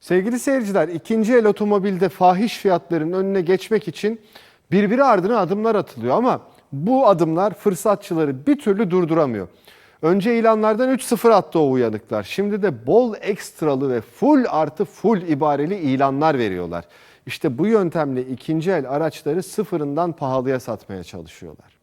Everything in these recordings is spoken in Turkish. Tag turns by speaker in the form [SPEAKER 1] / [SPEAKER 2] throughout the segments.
[SPEAKER 1] Sevgili seyirciler, ikinci el otomobilde fahiş fiyatların önüne geçmek için birbiri ardına adımlar atılıyor ama bu adımlar fırsatçıları bir türlü durduramıyor. Önce ilanlardan 3-0 attı o uyanıklar. Şimdi de bol ekstralı ve full artı full ibareli ilanlar veriyorlar. İşte bu yöntemle ikinci el araçları sıfırından pahalıya satmaya çalışıyorlar.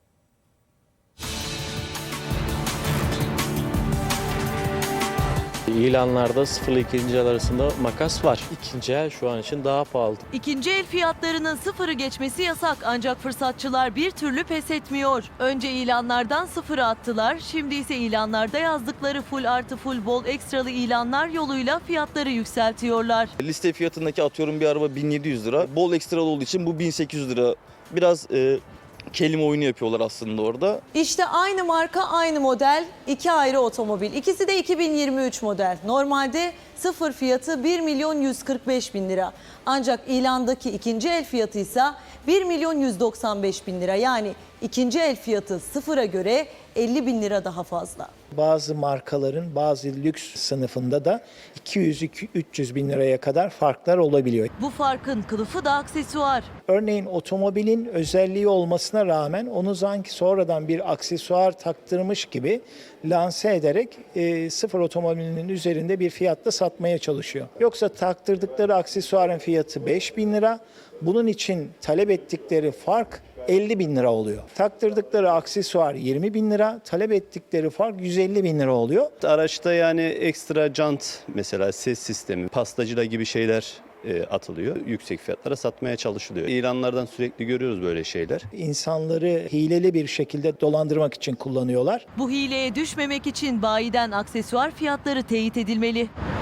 [SPEAKER 2] İlanlarda sıfırla ikinci el arasında makas var. İkinci el şu an için daha pahalı.
[SPEAKER 3] İkinci el fiyatlarının sıfırı geçmesi yasak ancak fırsatçılar bir türlü pes etmiyor. Önce ilanlardan sıfırı attılar, şimdi ise ilanlarda yazdıkları full artı full bol ekstralı ilanlar yoluyla fiyatları yükseltiyorlar.
[SPEAKER 4] Liste fiyatındaki atıyorum bir araba 1700 lira. Bol ekstralı olduğu için bu 1800 lira. Biraz kelime oyunu yapıyorlar aslında orada.
[SPEAKER 5] İşte aynı marka, aynı model, iki ayrı otomobil. İkisi de 2023 model. Normalde sıfır fiyatı 1.145.000 lira. Ancak ilandaki ikinci el fiyatı ise 1.195.000 lira. Yani ikinci el fiyatı sıfıra göre 50.000 lira daha fazla.
[SPEAKER 6] Bazı markaların bazı lüks sınıfında da 200-300 bin liraya kadar farklar olabiliyor.
[SPEAKER 3] Bu farkın kılıfı da aksesuar.
[SPEAKER 6] Örneğin otomobilin özelliği olmasına rağmen onu sanki sonradan bir aksesuar taktırmış gibi lanse ederek sıfır otomobilinin üzerinde bir fiyatla satmaya çalışıyor. Yoksa taktırdıkları aksesuarın fiyatı 5.000 lira. Bunun için talep ettikleri fark 50.000 lira oluyor. Taktırdıkları aksesuar 20.000 lira, talep ettikleri fark 150.000 lira oluyor.
[SPEAKER 7] Araçta yani ekstra jant, mesela ses sistemi, pastacıla gibi şeyler atılıyor. Yüksek fiyatlara satmaya çalışılıyor. İlanlardan sürekli görüyoruz böyle şeyler.
[SPEAKER 6] İnsanları hileli bir şekilde dolandırmak için kullanıyorlar.
[SPEAKER 3] Bu hileye düşmemek için bayiden aksesuar fiyatları teyit edilmeli.